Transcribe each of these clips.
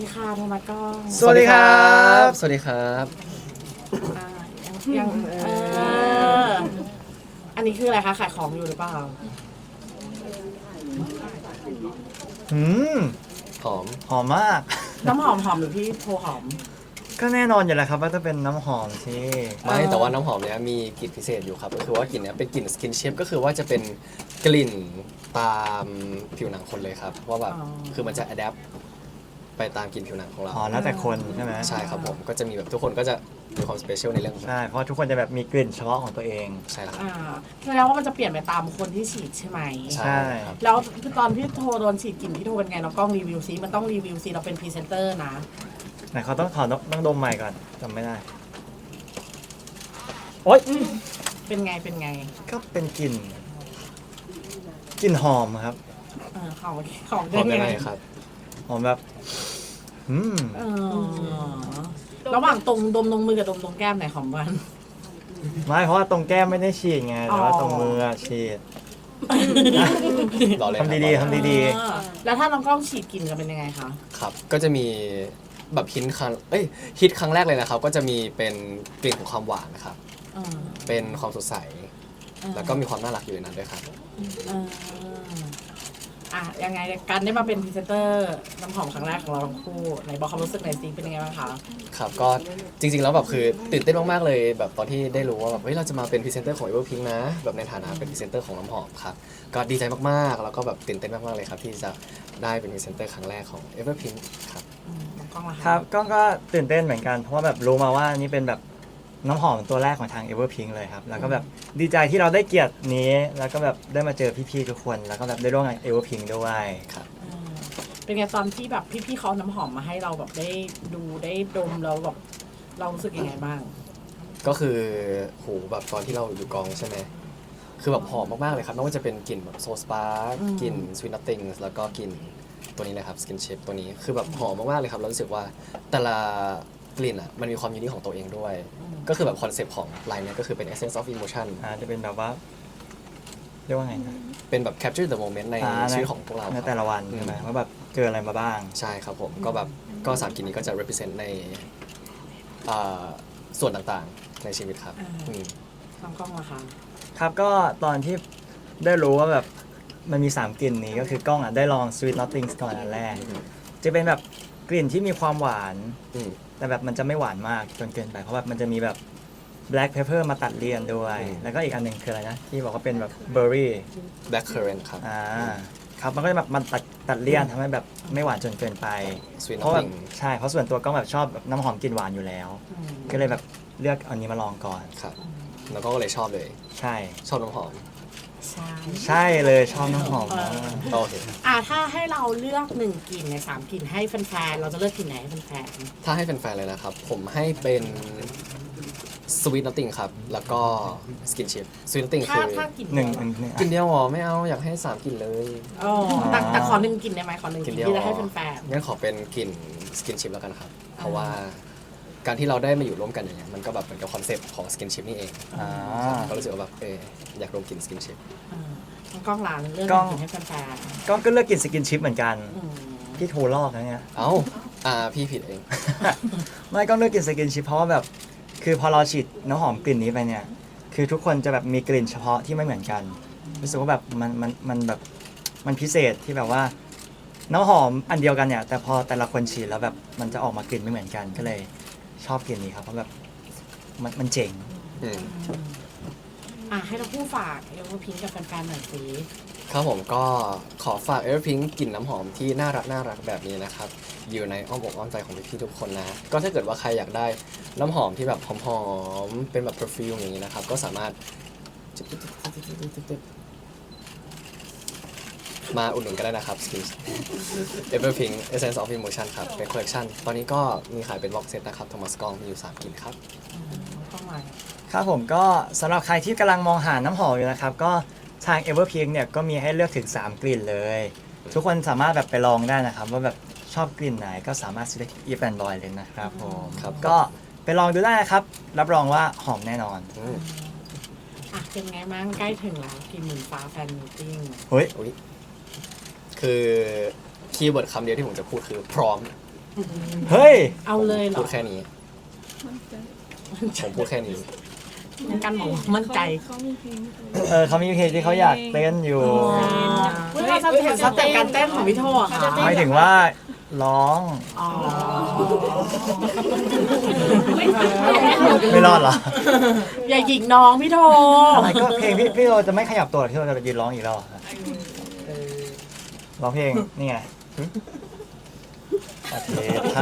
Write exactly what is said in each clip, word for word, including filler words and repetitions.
สวัสดีค่ะโทมัสก้องสวัสดีครับสวัสดีครับอ่ายังยังเอออันนี้คืออะไรคะขายของอยู่หรือเปล่าอืมหอมหอมมากน้ำหอมหอมหรือพี่โพหอมก็แน่นอนอยู่แล้วครับว่าจะเป็นน้ำหอมสิไม่แต่ว่าน้ำหอมเนี้ยมีกลิ่นพิเศษอยู่ครับก็คือว่ากลิ่นเนี้ยเป็นกลิ่นสกินเชฟก็คือว่าจะเป็นกลิ่นตามผิวหนังคนเลยครับว่าแบบคือมันจะอัดแอปไปตามกลิ่นผิวหนังของเราอ๋อแล้วแต่คนใช่ไหมใช่ครับผมก็จะมีแบบทุกคนก็จะมีความสเปเชียลในเรื่องของใช่เพราะทุกคนจะแบบมีกลิ่นเฉพาะของตัวเองใช่ครับอ่าแสดงว่ามันจะเปลี่ยนไปตามคนที่ฉีดใช่ไหมใช่ครับแล้วตอนพี่โทโดนฉีดกลิ่นพี่โทเป็นไงน้องกล้องรีวิวซิมันต้องรีวิวซิเราเป็นพรีเซนเตอร์นะไหนเขาต้องขอต้องดมใหม่ก่อนจำไม่ได้โอ๊ยเป็นไงเป็นไงก็เป็นกลิ่นกลิ่นหอมครับเออของของหอมยัยัง งไงไงครับหอมแบบอืมเออระหว่างตรงดมตรงมือกับดมตรงแก้มไหนหอมกว่ากันไม่เพราะว่าตรงแก้มไม่ได้ฉีดไงแต่ว่าอ๋อตรงมืออะฉีดรอเลยทำดีๆทำดีเออแล้วถ้าน้องกล้องฉีดกลิ่นจะเป็นยังไงคะครับก็จะมีแบบฮิตครั้งเอ้ยฮิตครั้งแรกเลยนะครับก็จะมีเป็นกลิ่นของความหวานนะครับเออเป็นความสดใสเออแล้วก็มีความน่ารักอยู่ในนั้นด้วยครับเอออ่ะยังไงการได้มาเป็นพรีเซนเตอร์น้ำหอมครั้งแรกของเราทั้งคู่ไหนบอกความรู้สึกหน่อยสิเป็นยังไงบ้างคะครับก็จริงๆแล้วแบบคือตื่นเต้นมากๆเลยแบบตอนที่ได้รู้ว่าแบบเฮ้ยเราจะมาเป็นพรีเซนเตอร์ของ Everpink นะแบบในฐานะเป็นพรีเซนเตอร์ของน้ำหอมครับก็ดีใจมากๆแล้วก็แบบตื่นเต้นมากๆเลยครับที่จะได้เป็นพรีเซนเตอร์ครั้งแรกของ Everpink ครับอืมน้องกล้องล่ะะๆครับก็ก็ตื่นเต้นเหมือนกันเพราะว่าแบบรู้มาว่านี่เป็นแบบน้ำหอมตัวแรกของทาง Everpink เลยครับแล้วก็แบบดีใจที่เราได้เกียรตินี้ แล้วก็แบบได้มาเจอพี่ๆทุกคนแล้วก็แบบได้ร่วมงาน Everpink ด้วยครับเออเป็นไงตอนที่แบบพี่ๆเขาเอาน้ำหอมมาให้เราแบบได้ดูได้ดมแล้วแบบเรารู้สึกยังไงบ้างก็คือโหแบบตอนที่เราอยู่กองใช่ไหมคือแบบหอมมากๆเลยครับไม่ว่าจะเป็นกลิ่นแบบโซสปาร์อืมกลิ่น Sweet Nothing แล้วก็กลิ่นตัวนี้เลยครับ Skin Shape ตัวนี้คือแบบหอมมากๆเลยครับแล้วรู้สึกว่าแต่ละกลิ่นอ่ะมันมีความยูนิคของตัวเองด้วย ก็คือแบบคอนเซปต์ของไลน์เนี้ยก็คือเป็น essence of emotion อ่าจะเป็นแบบว่าเรียกว่าไงนะเป็นแบบ capture the moment ในอ่าชีวิตของพวกเราในครับแต่ละวันใช่ไหมว่าแบบเจออะไรมาบ้างใช่ครับผมก็แบบก็สามกลิ่นนี้ก็จะ represent ในอ่าส่วนต่างๆในชีวิตครับอ่าอืมน้องกล้องล่ะคะครับก็ตอนที่ได้รู้ว่าแบบมันมีสามกลิ่นนี้ก็คือกล้องอ่ะได้ลอง Sweet Nothings ก่อนอันแรก จะเป็นแบบกลิ่นที่มีความหวานอืมแต่แบบมันจะไม่หวานมากจนเกินไปเพราะแบบมันจะมีแบบ black pepper มาตัดเลี่ยนด้วยอืมแล้วก็อีกอันหนึ่งคืออะไรนะที่บอกว่าเป็นแบบ berry black currant ครับอ่าครับมันก็จะแบบมันตัดตัดเลี่ยนทำให้แบบไม่หวานจนเกินไป Sweet เพราะแบบ Nothing ใช่เพราะส่วนตัวก็แบบชอบแบบน้ำหอมกลิ่นหวานอยู่แล้วอืมก็เลยแบบเลือกอันนี้มาลองก่อนครับแล้วก็เลยชอบเลยใช่ชอบน้ำหอมใช่ใช่เลยชอบน้ำหอมเอมาอกโอเคอ่ะถ้าให้เราเลือกหนึ่งกลิ่นในสามกลิ่นให้แฟนๆเราจะเลือกกลิ่นไหนให้แฟนถ้าให้แฟนๆเลยนะครับ ผมให้เป็น Sweet Nothing ครับ แล้วก็ Skin Chip Sweet Nothing ๆถ้าคือถ้ากลิ่นหนึ่งเดียวหนึ่งกลิ่นเดียวเหรอไม่เอาอยากให้สามกลิ่นเลยอ๋อแต่แต่ขอหนึ่งกลิ่นได้ไหมขอหนึ่งกกลิ่ลิ่นนเดียวที่จะให้เหรอแฟนงั้นขอเป็นกลิ่น Skin Chip แล้วกันครับ เพราะว่าการที่เราได้มาอยู่ร่วมกันอย่างเงี้ยมันก็แบบเหมือนกับคอนเซปต์ของ Skin Chip นี่เองอ่าก็รู้สึกว่าแบบเอออยากรวมกลิ่น Skin Chip ๆเออน้องกล้องร้านเลือกกล้องกลิ่นให้แฟนก็ก็เลือกกลิ่นสกินชิพเหมือนกันๆอืมพี่โทรลอกนะเนี่ยเอ้าอ่าพี่ผิดเองไม่ก็เลือกกลิ่นสกินชิพเพราะว่าแบบคือพอเราฉีดน้ำหอมกลิ่นนี้ไปเนี่ยคือทุกคนจะแบบมีกลิ่นเฉพาะที่ไม่เหมือนกันรู้สึกว่าแบบมันมันมันแบบมันพิเศษที่แบบว่าน้ำหอมอันเดียวกันเนี่ยแต่พอแต่ละคนฉีดแล้วแบบมันจะออกมากลิ่นไม่เหมือนกันก็เลยชอบกลิ่นนี้ครับเพราะแบบมันมันเจ๋งอืมอ่ะให้เราพูดฝากเอเวอร์พิงกับแฟนๆหน่อยสิครับผมก็ขอฝาก Everpink กลิ่นน้ำหอมที่น่ารักน่ารักแบบนี้นะครับ อยู่ในอ้อมอกอ้อมใจของพี่ๆทุกคนนะ ก็ถ้าเกิดว่าใครอยากได้น้ำหอมที่แบบหอมๆเป็นแบบ perfume อย่างนี้นะครับ ก็สามารถมาอุดหนุนก็ได้นะครับ Skin Everpink Essence of Emotion ครับ เป็นคอลเลคชันตอนนี้ก็มีขายเป็นบ็อกเซตนะครับโทมัสกองมีอยู่สามกลิ่นครับอืมน้องกล้องมาครับผมก็สำหรับใครที่กำลังมองหาน้ำหอมอยู่นะครับก็ทาง Everpink เนี่ยก็มีให้เลือกถึงสามกลิ่นเลย ทุกคนสามารถแบบไปลองได้นะครับว่าแบบชอบกลิ่นไหนก็สามารถซื้อได้ที่ Eve and Boy เลยนะครับผมครับก็ไปลองดูได้นะครับรับรองว่าหอมแน่นอนอืมอ่ะเป็นไงบ้างใกล้ถึงแล้วทีมหมื่นฟ้าแฟนมีตติ้งเฮ้ยอุ๊ยคือคีย์เวิร์ดคำเดียวที่ผมจะพูดคือพร้อมเฮ้ยเอาเลยเหรพูอดแค่นี้ ผมพูดแค่นี้งั้นกันบอกว่ามั่นใจเขามีเพลงเออเขามีเพลงที่เขาอยากเต้นอยู่เฮ้ยเราจะเห็นสเต็ปการเต้นของพี่โทอะค่ะไม่ถึงว่าร้องอ๋อไม่รอดเหรออย่าหยิกน้องพี่โทอะไรก็เพลงพี่พี่เราจะไม่ขยับตัวที่เราจะยืนร้องอีกแล้วเหรอร้องเพลงนี่ไงโอเคใช่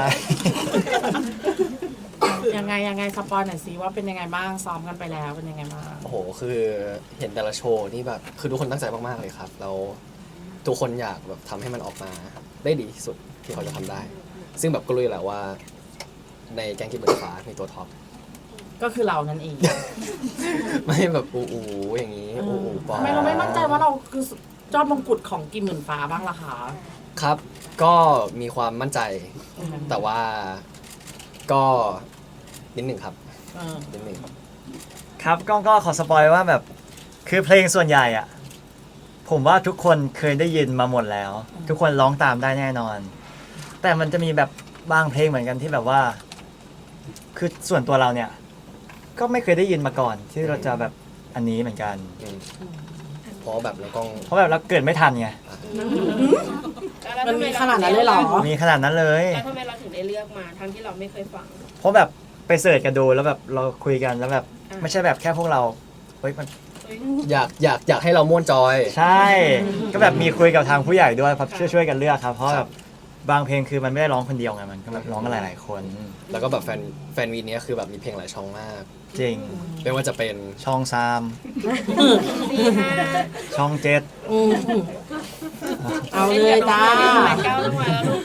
ยังไงยังไงสปอยหน่อยสิว่าเป็นยังไงบ้างซ้อมกันไปแล้วเป็นยังไงบ้างโอ้โห คือเห็นแต่ละโชว์นี่แบบ คือทุกคนตั้งใจมาก ๆ เลยครับ แล้วทุกคนอยากแบบทำให้มันออกมาได้ดีที่สุดที่เขาจะทำได้ ซึ่งแบบก็รู้อยู่แล้วว่า ในแกงกินเบิร์ดฟ้ามีตัวท็อปก็คือเรานั่นเองไม่แบบอูอูอย่างนี้อูอูปอทำไมเราไม่มั่นใจว่าเราคือยอดมงกุฎของกิมหมื่นฟ้าบ้างล่ะคะครับ ก็มีความมั่นใจ แต่ว่าก็นิดหนึ่งครับเออนิดหนึ่งครับก็ก็ขอสปอยว่าแบบคือเพลงส่วนใหญ่อะผมว่าทุกคนเคยได้ยินมาหมดแล้ว ทุกคนร้องตามได้แน่นอน แต่มันจะมีแบบบางเพลงเหมือนกันที่แบบว่า คือส่วนตัวเราเนี่ย ก็ไม่เคยได้ยินมาก่อน ที่เราจะแบบอันนี้เหมือนกันอืมเพราะแบบเราต้องเพราะแบบเราเกิดไม่ทันไงมันมีขนาดนั้นเลยเหรอมีขนาดนั้นเลยแล้วทำไมเราถึงได้เลือกมาทั้งที่เราไม่เคยฟังเพราะแบบไปเสิร์ชกันดูแล้วแบบเราคุยกันแล้วแบบอ่าไม่ใช่แบบแค่พวกเราเฮ้ยมันอยากอยากอยากให้เราม่วนจอยใช่ ก็แบบมีคุยกับทางผู้ใหญ่ด้วยครับช่วยช่วยกันเลือกครับ เพราะแบบบางเพลงคือมันไม่ได้ร้องคนเดียวไงมันก็แบบร้องกันหลาย ๆ คนแล้วก็แบบแฟนแฟนวีเนี้ยคือแบบมีเพลงหลายช่องมากจริงไม่ว่าจะเป็นช่องสามสี่ห้าช่องเจ็ดอืมเอาเลยจ้าแปดเก้าต้องมาแล้วลูก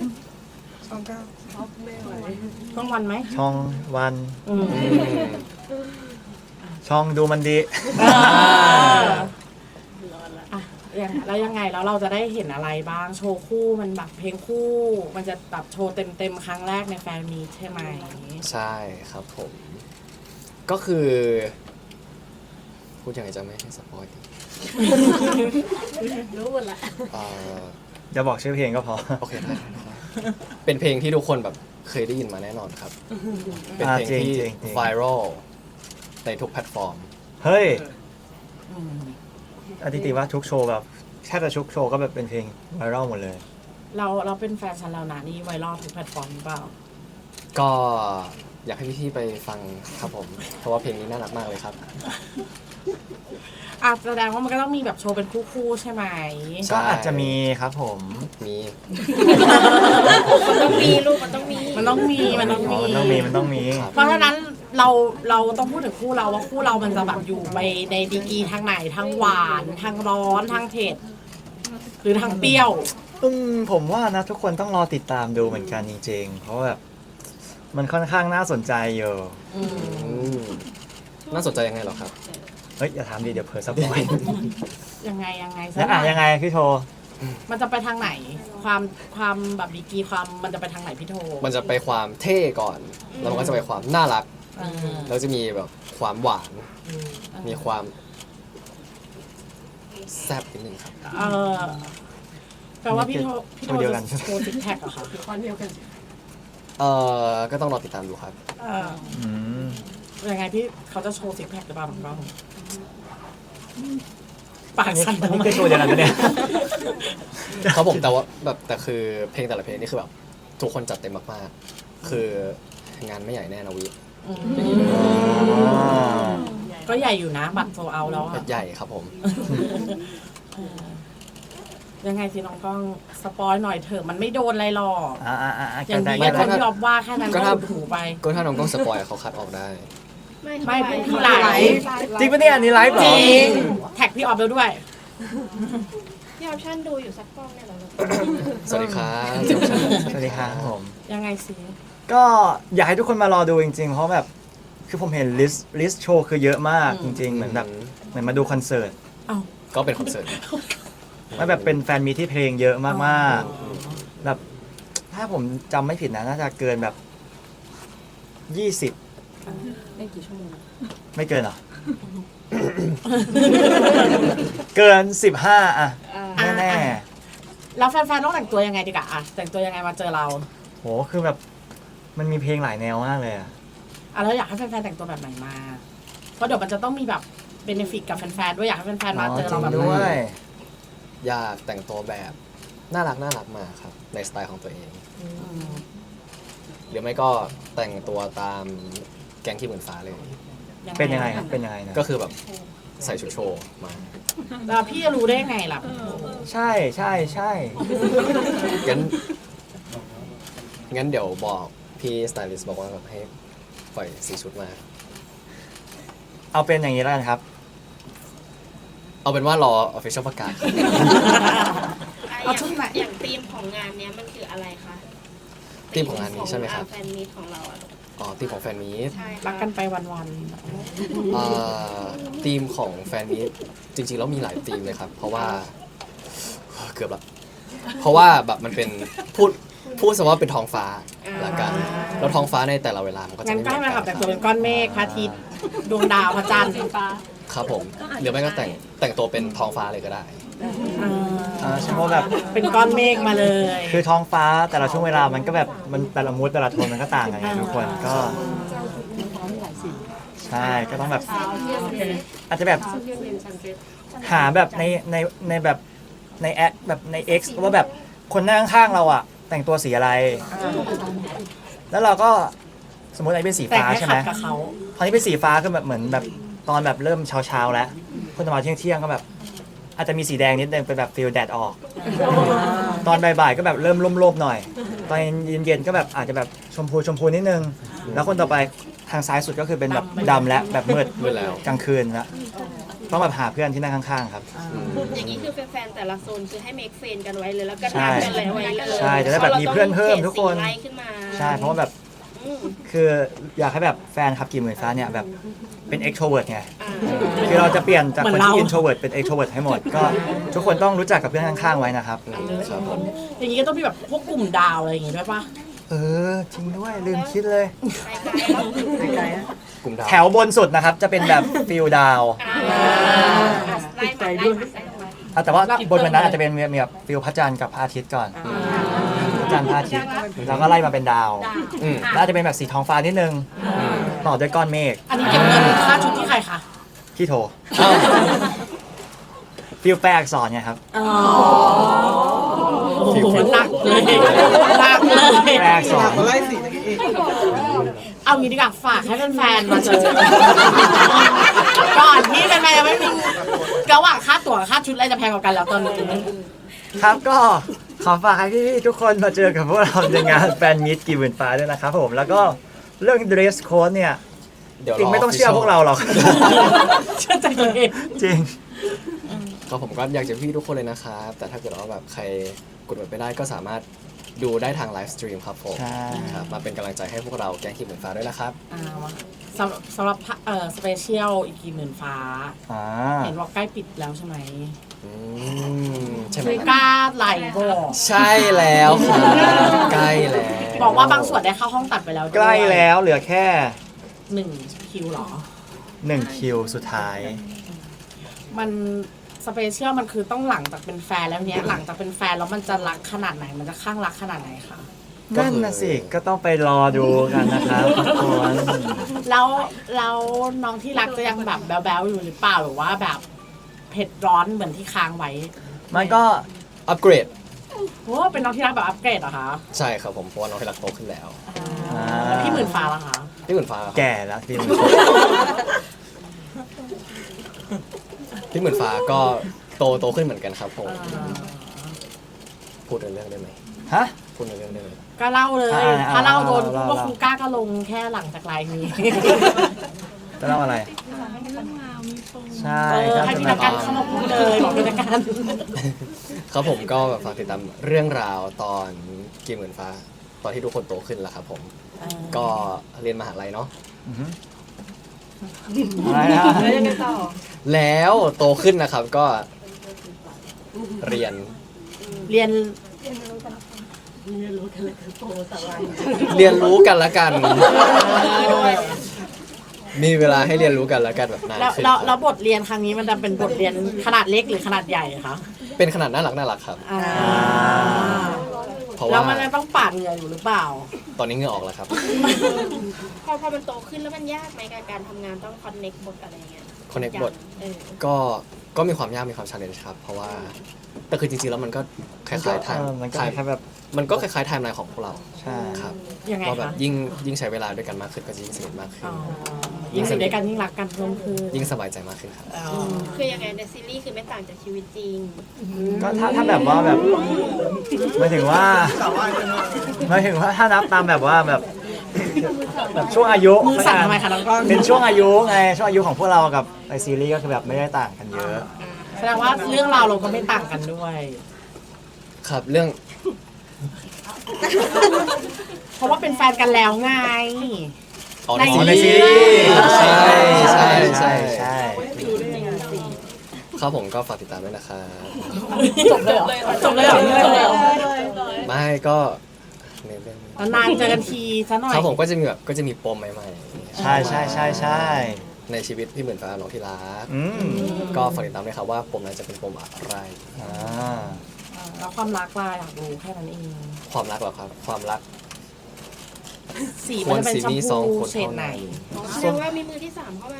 ต้องวันไหมช่องวันอืมอืมช่องดูมันดีอ่าอ่ะยังแล้วยังไงแล้วเราจะได้เห็นอะไรบ้างโชว์คู่มันแบบเพลงคู่ มันจะแบบโชว์เต็มเต็มๆครั้งแรกในแฟนมีตใช่ไหมใช่ครับผม ก็คือ พูดยังไงจะไม่ให้สปอยดีรู้หมดละเอ่อจะบอกชื่อเพลงก็พอโอเคได้ได้ได้เป็นเพลงที่ทุกคนแบบเคยได้ยินมาแน่นอนครับ เป็นเพลงอ่าจริงที่จริงจริงไวรัลในทุกแพลตฟอร์มเฮ้ยอืมอธิติว่าทุกโชว์แบบแทบจะทุกโชว์ก็แบบเป็นเพลงไวรัลหมดเลยเราเราเป็นแฟนฉันแล้วนะนี่ไวรัลทุกแพลตฟอร์มหรือเปล่าก็อยากให้พี่ๆไปฟังครับผม เพราะว่าเพลงนี้น่ารักมากเลยครับอ่ะแสดงว่ามันก็ต้องมีแบบโชว์เป็นคู่ๆใช่ไหมใช่ก็อาจจะมีครับผมมีมันต้องมีลูกมันต้องมีมันต้องมีมันต้องอ๋อมีมันต้องมีมันต้องมีครับเพราะฉะนั้นเราเราต้องพูดถึงคู่เราว่าคู่เรามันจะแบบอยู่ไปในดีกรีทางไหนทางหวานทางร้อนทางเผ็ดหรือทางเปรี้ยวอืมผมว่านะทุกคนต้องรอติดตามดูเหมือนกันจริงๆ เพราะแบบมันค่อนข้างน่าสนใจอยู่อืมอืมน่าสนใจยังไงเหรอครับเฮ้ยอย่าถามดิเดี๋ยวเผลอสปอยยังไงยังไงแล้วอ่ะยังไงพี่โทมันจะไปทางไหน ความความแบบดีกรีความมันจะไปทางไหนพี่โทมันจะไปความเท่ก่อน แล้วมันก็จะไปความน่ารักเออแล้วจะมีแบบความหวาน มีความแซ่บนิดนึงครับเออแปลว่าพี่โทพี่โทเดียวกัจะนโชว์ซิกแพคเหรอคะเอ่อ ก็ต้องรอติดตามดูครับเอออืมยังไงพี่เขาจะโชว์ซิกแพคหรือเปล่าน้องกล้องปากอันนี้สั่นอันทำนี้ไมคือตัวเดียวกันปะเนี่ยครับผมแต่ว่าแบบแต่คือเพลงแต่ละเพลงนี่คือแบบทุกคนจัดเต็มมากๆ คืองานไม่ใหญ่แน่นะวิอืมอ๋อก็ใหญ่อยู่นะ บัตรโซเอาแล้วอะใหญ่ครับผมยังไงสิน้องกล้องสปอยหน่อยเถอะมันไม่โดนอะไรหรอกอ่าอ่าอ่าอย่างได้ดีได้ก็คนได้ที่ออฟว่าแค่นั้นก็ก็ถ้าอุดหูไปก็ถ้าน้องกล้องสปอยเขาคัดออกได้ไม่พี่ไลฟ์จริงปะเนี่ยอันนี้ไลฟ์เหรจอริงแท็กพี่ออฟแล้วด้วยพี่ออปชั่นดูอยู่สักกล้องเนี่ยเหรอสวัสดีครับสวัสดีครับผมยังไงสิก็อยากให้ทุกคนมารอดูจริงๆ เพราะแบบคือผมเห็นลิสต์ลิสต์โชว์คือเยอะมากจริงๆ เหมือนแบบเหมือนมาดูคอนเสิร์ตเอ้าก็เป็นคอนเสิร์ตมันแบบเป็นแฟนมีที่เพลงเยอะมากๆ แบบถ้าผมจำไม่ผิดนะน่าจะเกินแบบยี่สิบได้กี่ชั่วโมงไม่เกินเหรอ เกินสิบห้าอะอ่าแน่แล้วแฟนๆต้องแต่งตัวยังไงดีกว่าอะแต่งตัวยังไงมาเจอเราๆโหคือแบบมันมีเพลงหลายแนวมากเลยอะอ่ะแล้วอยากให้แฟนๆแต่งตัวแบบไหนมา เพราะเดี๋ยวมันจะต้องมีแบบเบเนฟิตกับแฟนๆด้วยอยากให้แฟนๆมาเจอเราแบบจริงด้วยอยากแต่งตัวแบบน่ารักน่ารักมาครับในสไตล์ของตัวเองอืมหรือไม่ก็แต่งตัวตามแก๊งที่เหมือนฟ้าเลยเป็นยังไงครับเป็นยังไงนะก็คือแบบใส่ชุดโชว์มาแล้วพี่จะรู้ได้ไงล่ะใช่ใช่ใช่งั้นงั้นเดี๋ยวบอกพี่สไตลิสต์บอกว่าแบบให้ปล่อยสีชุดมาเอาเป็นอย่างนี้แล้วกันครับเอาเป็นว่ารอ official ประกาศเอาชุดไหนอย่างธีมของงานเนี้ยมันคืออะไรคะธีมของงานนี้ใช่ไหมครับแฟนมีตของเราอะอ๋อธีมของแฟนมีตใช่ค่ะรักกันไปวันเอ่อธีมของแฟนมีตจริงๆแล้วมีหลายธีมเลยครับ เพราะว่าเกือบละเพราะว่าแบบมันเป็นพูดพูดซะว่าเป็นท้องฟ้าละกันแล้วท้องฟ้าในแต่ละเวลามันก็ๆจะงั้นไม่ก็เหมืให้อนมากัขับนแต่งตัวเป็นก้อนเมฆพระอาทิตย์ดวงดาวพระจันทร์ครับผมหรือไม่ก็แต่งแต่งตัวเป็นท้องฟ้าเลยก็ได้อ่าใช่เพราะแบบเป็นก้อนเมฆมาเลยคือท้องฟ้าแต่ละช่วงเวลามันก็แบบมันแต่ละมูดแต่ละโทนมันก็ต่างกันไงทุกคนก็ใช่ก็ต้องแบบอาจจะแบบหาแบบในในในแบบในแอปแบบใน X ว่าแบบคนนั่งข้างๆเราอะแต่งตัวสีอะไร แล้วเราก็สมมติไอ้เป็นสีแต่งฟ้าให้ใช่ไหขัมดกับเขาตอนนี้เป็นสีฟ้าคือแบบเหมือนแบบตอนแบบเริ่มเช้าๆแล้วคนจะมาเที่ยงเที่ยงๆก็แบบ อาจจะมีสีแดงนิดนึงเป็นแบบฟิลแดดออก ตอนบ่ายๆก็แบบเริ่มร่มๆหน่อย ตอนเย็นๆก็แบบอาจจะแบบชมพูชมพูนิดนึง แล้วคนต่อไปทางซ้ายสุดก็คือเป็นแบบดำและแบบมืดมืดแล้วกลางคืนแล้วต้องแบบหาเพื่อนที่นั่งข้างๆครับอย่างนี้คือแฟนๆแต่ละโซนคือให้เมคเฟนกันไว้เลยแล้วก็ใช่นัดกันเลยไว้เลยใช่จะได้แบบมีเพื่อนเพิ่มทุกคนไล่ขึ้นมาใช่เพราะว่าแบบอืมคืออยากให้แบบแฟนขับกี่หมื่นฟ้าเนี่ยแบบเป็น extrovert ไงอ่าคือเราจะเปลี่ยนจากเหมืคอน นที่เรา introvert เป็น extrovert ให้หมด ก็ทุกคนต้องรู้จักกับเพื่อนข้างๆไว้นะครับครับผมอย่างนี้ก็ต้องมีแบบพวกกลุ่มดาวอะไรอย่างงี้ด้วยปะเออจริงด้วยลืมคิดเลยไปไกลแล้วกลุ่มดาวแถวบนสุดนะครับ จะเป็นแบบฟิลดาวอ่าไล่มาไล่มาไล่มาอ่ะแต่ว่าบนวันนั้นอาจจะเป็นมีแบบฟิลพระจันทร์กับพระอาทิตย์ก่อนพระจันทร์พระอาทิตย์แล้วก็ไล่มาเป็นดาวอืมแล้วอาจจะเป็นแบบสีท้องฟ้านิดนึง ต่อด้วยก้อนเมฆอันนี้เก็บเงินค่าชุดที่ใครคะที่โทรอ้าวฟิลแปลอักษรไงครับอ๋อโอ้โหหนักเลยหนักเลยแปลอักษรเอางี้ดีกว่าฝากให้แฟนๆมาเจอ ก่อนที่แฟนๆจะไม่มีระหว่างค่าตั๋วกับค่าชุดอะไรจะแพงกว่ากันแล้วตอนนี้ครับก็ขอฝากให้พี่ๆทุกคนมาเจอกับพวกเราในงานแฟนมิตกี่หมื่นฟ้าด้วยนะครับผมแล้วก็เรื่อง dress code เนี่ยเดี๋ยวจริงไม่ต้องเชื่อพวกเราหรอกเชื่อใจตัวเองจริงก็ผมก็อยากจะพี่ทุกคนเลยนะครับ แต่ถ้าเกิดว่าแบบใครกดบัตรไม่ได้ก็สามารถดูได้ทางไลฟ์สตรีมครับผมใช่ครับมาเป็นกำลังใจให้พวกเราแก๊งขีดเหมือนฟ้าด้วยนะครับอ่าสำหรับสำหรับเอ่อสเปเชียลอีกกี่หมื่นฟ้าอ่าเห็นว่าใกล้ปิดแล้วใช่ไหมอืมใช่ไหมคืคอรับกล้าไหลบอกใช่แล้วครับใกล้แล้วบอกว่าบางส่วนได้เข้าห้องตัดไปแล้วด้วยใกล้แล้วเหลือแค่หนึ่งคิวเหรอหนึ่งคิวสุดท้ายมันสเปเชียลมันคือต้องหลังจากเป็นแฟนแล้วเนี้ยหลังจากเป็นแฟนแล้วมันจะรักขนาดไหน มันจะข้างรักขนาดไหนคะนั่นน่ะสิ ก็ต้องไปรอดูกันนะครับทุกคนแล้วแล้วน้องที่รักจะยังแบบแบ๊วๆอยู่หรือเปล่าหรือว่าแบบเผ็ดร้อนเหมือนที่ค้างไว้มันก็อัปเกรดโอ้เป็นน้องที่รักแบบอัปเกรดเหรอคะใช่ครับผมเพราะว่าน้องที่รักโตขึ้นแล้วอ่าแล้วพี่หมื่นฟ้าล่ะคะพี่หมื่นฟ้าครับแก่แล้วพี่พี่หมื่นฟ้าก็โตโตขึ้นเหมือนกันครับผมพูดในเรื่องได้ไหมฮะพูดในเรื่องได้ไหมก็เล่าเลยอ่าถ้าเล่าโดนเล่าพวกเล่าครูก้าก็ลงแค่หลังจากไลน์นี้จะเล่าอะไร ใช่เออก็ให้จะพิแบนาบการเข้ามาพูดเลยบอกพินาการครับผมก็แบบฝากติดตามเรื่องราวตอนกีหมื่นฟ้า ตอนที่ทุกคนโตขึ้นแล้วครับผม ก็เรียนมหาลัยเนาะอือฮึอะไรนะแล้วโตขึ้นนะครับก็เรียนเรียนเรียนรู้กันละกัน มีเวลาให้เรียนรู้กันละกันแบบนานแล้วขึ้นแล้วแล้วบทเรียนครั้งนี้มันจะเป็นบทเรียนขนาดเล็กหรือขนาดใหญ่คะเป็นขนาดน่ารักน่ารักครับอ่าเพราะแล้ว่าวมันยังต้องปาดเหงื่ออยู่หรือเปล่าตอนนี้เหงื่อออกแล้วครับพอพอมันโตขึ้นแล้วมันยากไหมกับการทำงานต้องคอนเน็กบทอะไรเงี้ย connect บทเออก็ก็มีความยากมีความ challenge ครับ เพราะว่าแต่คือจริงๆแล้วมันก็คล้ายๆไทม์เออมันก็คล้ายแค่แบบมันก็คล้ายๆไทม์ไลน์ของพวกเราใช่ครับยังไงว่าแบบคะยิ่งยิ่งใช้เวลาด้วยกันมากขึ้นก็จะยิ่งสนิทมากขึ้นอ๋อยิ่งอยู่ด้วยกันยิ่งรักกันเพิ่มขึ้นยิ่งสบายใจมากขึ้นครับอ๋อคือยังไงในซีรีส์คือไม่ต่างจากชีวิตจริงก็ถ้าถ้าแบบว่าแบบหมายถึงว่าหมายถึงว่าถ้านับตามแบบว่าแบบแบบช่วงอายุมือสั่นทำไมคะน้องก้องเป็นช่วงอายุไงช่วงอายุของพวกเรากับในซีรีส์ก็คือแบบไม่ได้ต่างกันเยอะแสดงว่าเรื่องราวเราก็ไม่ต่างกันด้วยครับเรื่องเพราะว่าเป็นแฟนกันแล้วไงอ๋อในในซีรีส์ใช่ใช่ใช่ใช่ครับผมก็ฝากติดตามด้วยนะครับจบเลยเหรอจบเลยเหรอจบเลยเหรอไม่ก็ในเรื่องนี้นานๆเจอกันทีซะหน่อยครับผมก็จะมีแบบก็จะมีปมใหม่ๆใช่ใช่ใช่ใช่ในชีวิตพี่หมื่นฟ้าน้องที่รักอืมก็ฝากติดตามด้วยครับว่าปมนั้นจะเป็นปมอะไรอ่าแล้วความรักล่ะอยากรู้แค่นั้นเองความรักเหรอครับ ความรักสีมันจะเป็นชมควรสีมีสองพูคนเฉดไหนเท่านั้นแสดงว่ามีมือที่สามเข้ามา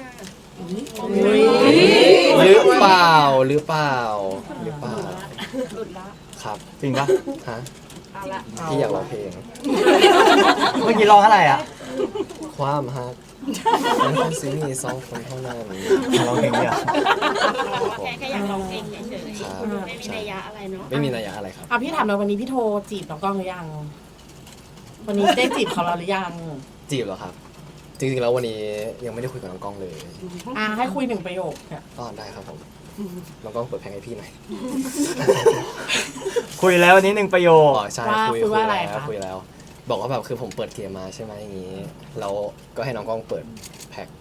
หรือเปล่าหรือเปล่าหรือเปล่าหลุดละครับจริงปะฮะเอาละพี่อยากร้องเพลงเมื่อกี้ร้องอะไรอ่ะความฮักมันควรสีมีสองคนเท่านั้นร้องเพลงเนี่ยแค่แค่อยากลองเองเฉยครับๆไม่มีนัยยะอะไรเนาะไม่มีนัยยะอะไรครับอ่ะพี่ถามหน่อยวันนี้พี่โทรจีบน้องกล้องหรือยัง วันนี้ได้จีบเขาแล้วหรือยังจีบเหรอครับ จริงๆแล้ววันนี้ยังไม่ได้คุยกับน้องกล้องเลยอ่ะให้คุยหนึ่งประโยคเนี่ยก็ได้ครับผมน้องกล้องเปิดเพลงให้พี่หน่อยคุยแล้ววันนี้หนึ่งประโยคอ๋อใช่ว่าคุยคุยว่าอะไรแล้วคะคุยแล้ว บอกว่าแบบคือผมเปิดเกมมาใช่ไหมอย่างนี้แล้วก็ให้น้องกล้องเปิดแพ็ค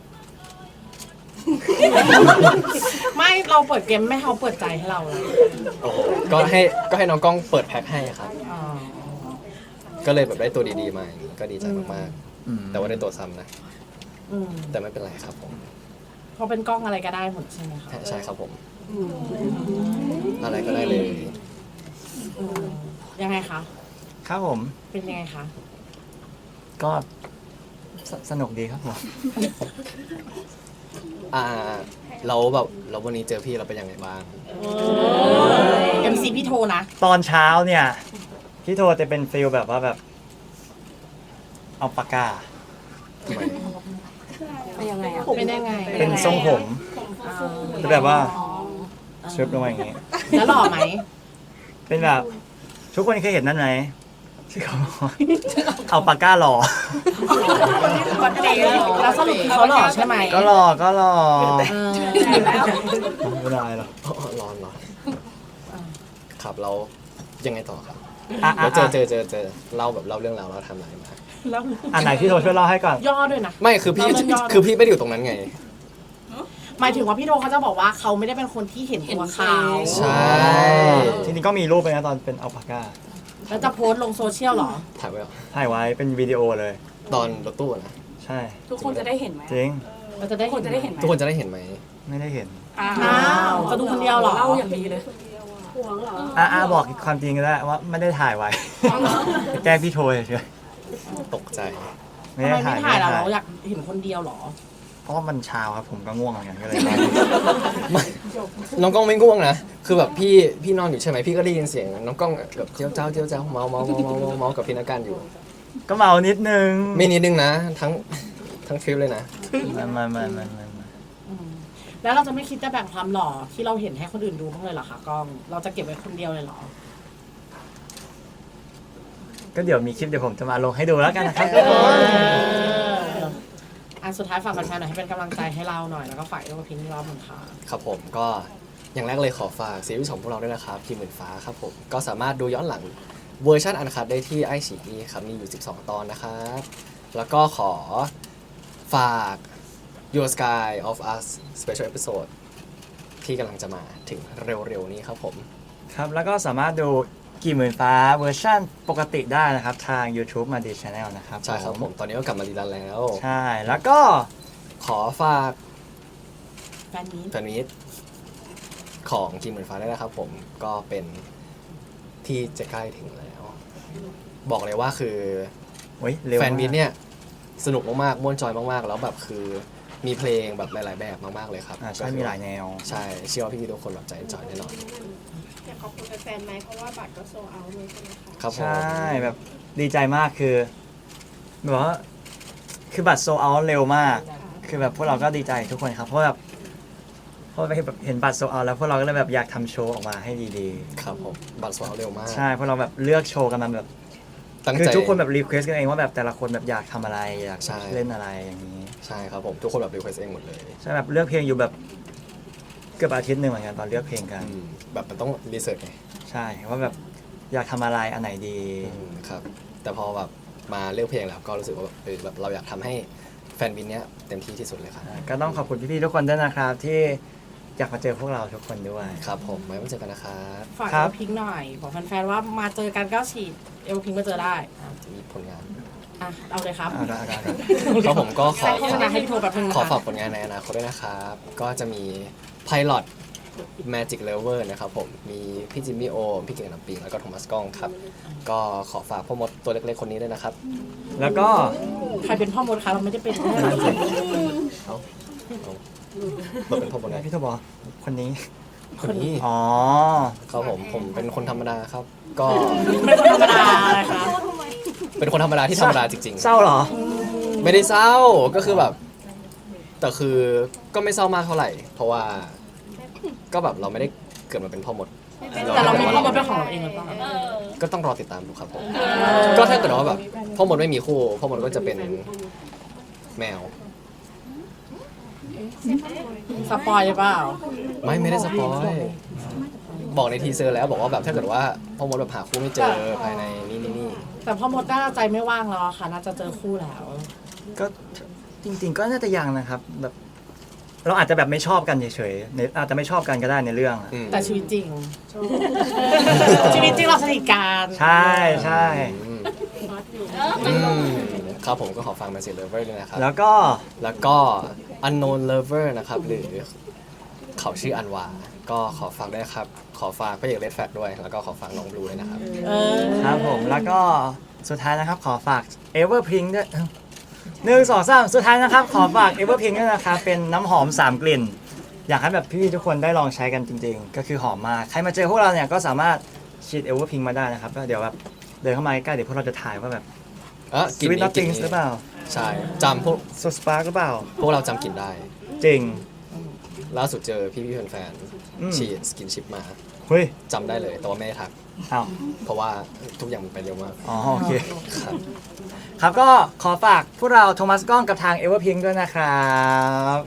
ไม่เราเปิดเกมไม่ให้เขาเปิดใจให้เราเลยโอ้โหก็ให้ก็ให้น้องกล้องเปิดแพ็คให้ครับอ๋อก็เลยแบบได้ตัวดีๆมาอย่างนี้ก็ดีใจมากอืมๆ แต่ว่าได้ตัวซ้ำนะอืมแต่ไม่เป็นไรครับผมเพราะเป็นกล้องอะไรก็ได้หมดใช่ไหมคะใช่ครับผม อะไรก็ได้เลยอืมยังไงคะครับผมเป็นยังไงคะก็สสนุกดีครับผมอ่าเราแบบเราวันนี้เจอพี่เราเป็นยังไงบ้างเอ็มซีพี่โทรนะตอนเช้าเนี่ยพี่โทรจะเป็นฟิลแบบว่าแบบ เอาปากกาทำไมเป็นยังไงอ่ะเป็นยังไงเป็นทรงผมอ่าจะแบบว่าชึบลงมาอย่างงี้แล้วหล่อไหมเป็นแบบ ทุกคนเคยเห็นนั่นไหมที่เขาบอกว่าเอาปากกาหล่อแล้วสรุปคือเขาหล่อใช่ไหมก็หล่อก็หล่อเออไม่ได้หรอกอ๋อร้อนร้อนครับเรายังไงต่อครับอ่ะแล้อ่ะวเจออ่ะเจอเจอเจอเล่าแบบเล่าเรื่องราวเราทำอะไรมาแล้วอันไหนที่โทรช่วยเล่าให้ก่อนย่อด้วยนะไม่คือพี่เราเรื่องย่อคือพี่ไม่ได้อยู่ตรงนั้นไงหมายถึงว่าพี่โทเขาจะบอกว่าเขาไม่ได้เป็นคนที่เห็นตัวเขาใช่ทีนี้ก็มีรูปไปนะตอนเป็นเอาปากกาแล้วจะโพสต์ลงโซเชียลเหรอถ่ายไว้เหรอถ่ายไว้เป็นวิดีโอเลยตอนรถตู้อะนะใช่ทุกคนจะได้เห็นไหมจริงเราจะได้ทุกคนจะได้เห็นไหมทุกคนจะได้เห็นไหมไม่ได้เห็นอ้าอ้าวจะดูคนเดียวเหรอเล่าอย่างดีเลยอ่ะอ่ะบอกความจริงก็ได้ว่าไม่ได้ถ่ายไว้ แกล้งพี่โทรเฉยตกใจๆไม่ทำได้ไมถ่าไม่ยถ่ายเราไม่ได้เราอยากเห็นคนเดียวเหรอเพราะว่ามันเช้าครับผมก็ง่วงเหมือนกันก็เลยไม่น้องกล้องไม่ง่วงนะ คือแบบพี่พี่นอนอยู่ใช่ไหมพี่ก็ได้ยินเสียงน้องกล้องแบบเจียวเจ้าเจียวเจ้าเมาเมาเมาเมาเมาเมากับพี่นักการอยู่ก็เมานิดนึงไม่นิดนึงนะ ทั้งทั้งทริปเลยนะไมามามามามาอืมแล้วเราจะไม่คิดจะแบ่งความหล่อที่เราเห็นให้คนอื่นดูบ้างเลยเหรอคะกล้อง เราจะเก็บไว้คนเดียวเลยเหรอก็เดี๋ยวมีคลิปเดี๋ยวผมจะมาลงให้ดูแล้วกันนะครับเอออันสุดท้ายฝากแฟนๆหน่อยให้เป็นกำลังใจให้เราหน่อยแล้วก็ฝากเรื่องพิงค์รอบหนึ่งค่ะครับผมก็อย่างแรกเลยขอฝากซีรีส์ของพวกเราด้วยนะครับทีมหมื่นฟ้าครับผมก็สามารถดูย้อนหลังเวอร์ชันอันคัดได้ที่ไอซีอีครับมีอยู่สิบสองตอนนะครับแล้วก็ขอฝาก Your Sky of Us Special Episode ที่กำลังจะมาถึงเร็วๆนี้ครับผมครับแล้วก็สามารถดูกี่หมื่นฟ้าเวอร์ชั่นปกติได้นะครับ ทาง YouTube มาดีชาแนลนะครับใช่ครับผมตอนนี้ก็กลับมาดีแล้วแล้วใช่แล้วก็ขอฝากแฟนนี้แฟนมิตของทีมหมื่นฟ้าได้วยนะครับผมก็เป็นที่จะใกล้ถึงแล้วบอกเลยว่าคือโอ้ยเร็วแฟนมากมิตเนี่ยสนุกมากๆม่วนจอยมากๆ แล้วแบบคือมีเพลงแบบหลายๆแบบมากๆเลยครับอ่าใช่ก็คือมีหลายแนวใช่เชื่อว่าพี่ๆทุกคนแบบจะเอนจอยแน่นอนอยากขอบคุณแฟนๆไหมเพราะว่าบัตรก็โซเอาเลยใช่ไหมคะครับผมใช่แบบดีใจมากคือแบบว่าคือบัตรโซเอาเร็วมาก คือแบบพวกเราก็ดีใจทุกคนครับเพราะแบบเพราะแบบเห็นบัตรโซเอาแล้วพวกเราก็เลยแบบอยากทำโชว์ออกมาให้ดีครับผมบัตรสวาเร็วมากๆใช่เพราะเราแบบเลือกโชว์กันมาแบบตั้งคือใจทุกคนแบบรีเควสกันเองว่าแบบแต่ละคนแบบอยากทำอะไรอยากใช่เล่นอะไรอย่างนี้ใช่ครับผมทุกคนแบบรีเควสเองหมดเลยใช่แบบเลือกเพลงอยู่แบบเกือบอาทิตย์หนึ่งเหมือนกันตอนเลือกเพลงกันอืมแบบมันต้องรีเสิร์ชไงใช่ว่าแบบอยากทำอะไรอันไหนดีอืมครับแต่พอแบบมาเลือกเพลงแล้วก็รู้สึกว่าแบบเออแบบเราอยากทำให้แฟนบินเนี้ยเต็มที่ที่สุดเลยครับก็ต้องขอบคุณพี่ๆทุกคนด้วยนะครับ ที่อยากมาเจอพวกเราทุกคนด้วยครับผมไว้มาเจอกันนะครับฝากครัเอบ ลพิงหน่อยบอกแฟนๆว่ามาเจอกันก็ฉีดเอลพิงมาเจอได้จะมีผลงานอ่ะเอาเลยครับเอาละเอาละเอาละก็ผมก็ขอใส่โฆษณาให้พี่โทรแบบนึงนะขอคะฝากผลงานในอนาคตด้วยนะครับ ก็จะมี Pilot Magic Lover นะครับผม มีพี่จิมมี่โอมพี่เก่งน้ำปิง แล้วก็โทมัสก้องครับ ก็ขอฝากพ่อมดตัวเล็กๆคนนี้ด้วยนะครับแล้วก็ใครเป็นพ่อมดคะเราไม่ได้เป็นเอาเอาเราเป็นพ่อมดไงพี่โทบอกคนนี้คนนี้อ๋อครับผม ผมเป็นคนธรรมดาครับ ก็ไม่ธรรมดาเลยค่ะเป็นคนธรรมดาที่ธรรมดาจริงเศร้าเหรอๆ ไม่ได้เศร้า ก็คือแบบ แต่คือก็ไม่เศร้ามากเท่าไหร่ เพราะว่า ก็แบบเราไม่ได้เกิดมาเป็นพ่อมดแต่เรามีพ่อมดเป็นของเราเองหรือเปล่าก็ต้องรอติดตามดูครับผม ก็ถ้าเกิดว่าแบบพ่อมดไม่มีคู่พ่อมดก็จะเป็นแมวสปอยหรือเปล่าไม่ไม่ได้สปอยบอกในทีเซอร์แล้วบอกว่าแบบถ้าเกิดว่าพ่อมดแบบหาคู่ไม่เจอภายในนี่นี่นี่แต่พ่อมดน่าจะใจไม่ว่างแล้วอะค่ะ น่าจะเจอคู่แล้วก็จริง ๆ ก็น่าจะยังนะครับแบบเราอาจจะแบบไม่ชอบกันเฉยๆในอาจจะไม่ชอบกันก็ได้ในเรื่องอะอืมแต่ชีวิตจริง ชีวิตจริงเราสนิทกันใช่ใช่อืมอืมครับผมก็ขอฟัง Magic Lover ด้วยนะครับแล้วก็แล้วก็ Unknown Lover นะครับ หรือเขาชื่ออันวา ก็ขอฝากด้วยนะครับ ขอฝากพระเอกเลดแฟกด้วย แล้วก็ขอฝากน้องบลูด้วยนะครับเออครับผมแล้วก็สุดท้ายนะครับขอฝาก Everpink ด้วยหนึ่งสองสามสุดท้ายนะครับ ขอฝาก Everpink ด้วยนะครับเป็นน้ำหอมสามกลิ่น อยากให้แบบพี่ๆทุกคนได้ลองใช้กันจริง ๆ ก็คือหอมมากใครมาเจอพวกเราเนี่ยก็สามารถฉีด Everpink มาได้นะครับก็เดี๋ยวแบบเดินเข้ามาใกล้ๆเดี๋ยวพวกเราจะถ่ายว่าแบบเออสกลิ่นวิตนี้น็อตกลิ่ตินงนี้หรือเปล่าใช่จำพวกโซสปาร์หรือเปล่าพวกเราจำกลิ่นได้จริงล่าสุดเจอพี่พี่แฟนอืมๆฉีดสกินชิปมาเฮ้ยจำได้เลย แต่ว่าไม่ได้ทักอ้าวเพราะว่าทุกอย่างมันไปเร็วมากอ๋อโอเคครับครับก็ขอฝากพวกเราโทมัสก้องกับทาง Everpink ด้วยนะครับ